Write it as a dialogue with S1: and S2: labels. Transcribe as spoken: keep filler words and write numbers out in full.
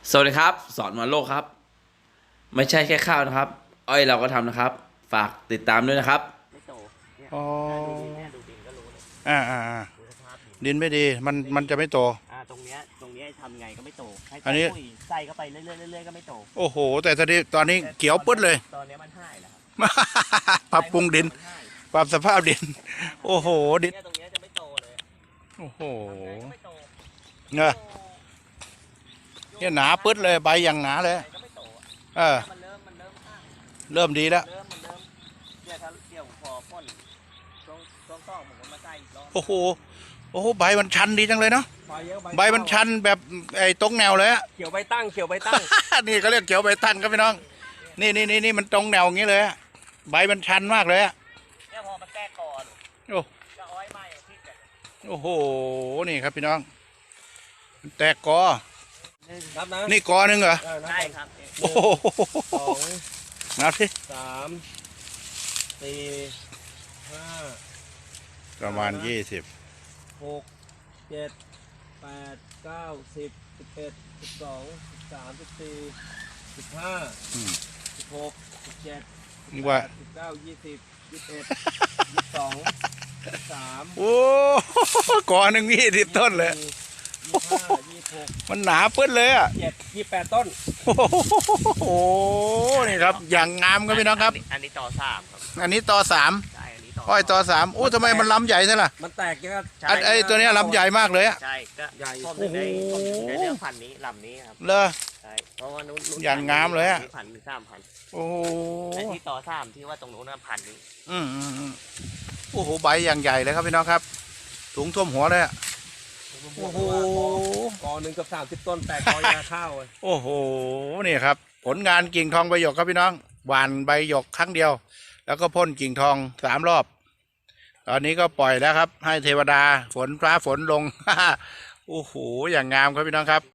S1: สวัสดีครับสอนวันโลกครับไม่ใช่แค่ข้าวนะครับอ้อยเราก็ทำนะครับฝากติดตามด้วยนะครับ
S2: ไม่โตเนี่ย
S3: อ๋อ
S2: ดูดินเนี่ยดูดินก็รู้เลย
S3: อ่าอ่าอ่า
S2: ดูสภาพดิน
S3: ดินไม่ดีมันมันจะไม่โต
S2: อ่าตรงเนี้ยตรงเนี้ยทำไงก็ไม่โตให้
S3: อั
S2: ใส่
S3: นนี้
S2: ปุ๋ยใส่เข้าไปเรื่อยๆเรื่อยๆก็ไม่โต
S3: โอ้โหแต่ตอนนี้ตอนนี้เขียวปึ๊ดเลย
S2: ตอนเนี้ยมันหายแล้วครับ
S3: ปรับปรุงดิน
S2: มันหาย
S3: ปรับสภาพดิน โอ้โหดิน
S2: เนี่ยตรงเนี้ยจะไม่โตเลย
S3: โอ้โห
S2: ทำไงก็ไม่โต
S3: เนี่ยเนี่ยหนาปึ๊ดเลยใบอย่างหนาเลย
S2: ใส่ก็ไม่โตอะ
S3: เออ
S2: มันเริ่มมันเริ่มห่าง
S3: เริ่มดีแล้ว
S2: เริ่มมันเริ่มเนี่ยถ้าเดี๋ยวพอพ่นช่วงช่วงต้องผมก็มาใส่อีกรอบ
S3: โอ้โหโอ้โหใบมันชันดีจังเลยเนาะ
S2: ใบเยอะ
S3: ใบมันชันแบบไอ้ตรงแนวเลยอะ
S2: เขียวใบตั้งเขียวใบตั้ง
S3: นี่เขาเรียกเขียวใบตั้งครับพี่น้องนี่นี่นี่นี่มันตรงแนวอย่างนี้เลยอะใบมันชันมากเลยอะ
S2: เนี่ยพอมันแตกคอหนู
S3: โอ้
S2: จะอ้อยไหม้เอาที่กัน
S3: โอ้โหนี่ครับพี่น้องมันแตกกอ
S2: นับนะ
S3: นี่กอหนึ่งเหรอ
S2: ใช่ครับ
S3: โอ้โห
S2: สอง
S3: นับสิ
S2: สามสี่ห้า
S3: ประมาณยี่สิบ
S2: หกเจ็ดแปดเก้าสิบสิบเอ็ดสิบสองสิบสามสิบสี่สิบห้าสิบหกสิบเจ็ดสิบแป
S3: ว่า
S2: ดสิบเก้ายี่สิบยี่สิบเอ็ดยี่สิบสองยี่สิบสาม
S3: โอ้กอหนึ่งยี่สิบต้นเลย
S2: ยี่สิบห้ายี่สิบหก
S3: มันหนาเปิ้ลเลยอ่ะ
S2: เจ็ดยี่สิบแปดต้น
S3: โอ้โหนี่ครับอย่างงามครับพี่น้องครับ
S2: อันนี้ต่อสามครับ
S3: อันนี้ต่อสาม
S2: ใช่อันนี้ต่อ
S3: อ้อยต่อสามโอ้ทำไมมันลำใหญ่ใช่ล่ะ
S2: มันแตกเยอะ
S3: อันไอ้ตัวเนี้ยลำใหญ่มากเลยอะ
S2: ใช่ก็ใหญ่ผม
S3: โอ้โห
S2: ในผมในเรื่องพันธุ์นี้ลำนี้ครับ
S3: เลอ
S2: ใช่เพราะว่านู้นนู้น
S3: อย่างงามเลยอะ
S2: พันมีสามพัน
S3: โอ้โห
S2: ไอ้ที่ต่อสามที่ว่าตรงนู้นน่ะพันนี้
S3: อืมอืมอืมโอ้โหใบอย่างใหญ่เลยครับพี่น้องครับถุงท่วมหัวเลยอะโอ้โห
S2: กอหนึ่งกับสามสิบต้นแตกกอยาข้าวเลย
S3: โอ้โหนี่ครับผลงานกิ่งทองใบหยกครับพี่น้องหว่านใบหยกครั้งเดียว แล้วก็พ่นกิ่งทองสามรอบ ตอนนี้ก็ปล่อยแล้วครับ ให้เทวดาฝนฟ้าฝนลง โอ้โหอย่างงามครับพี่น้องครับ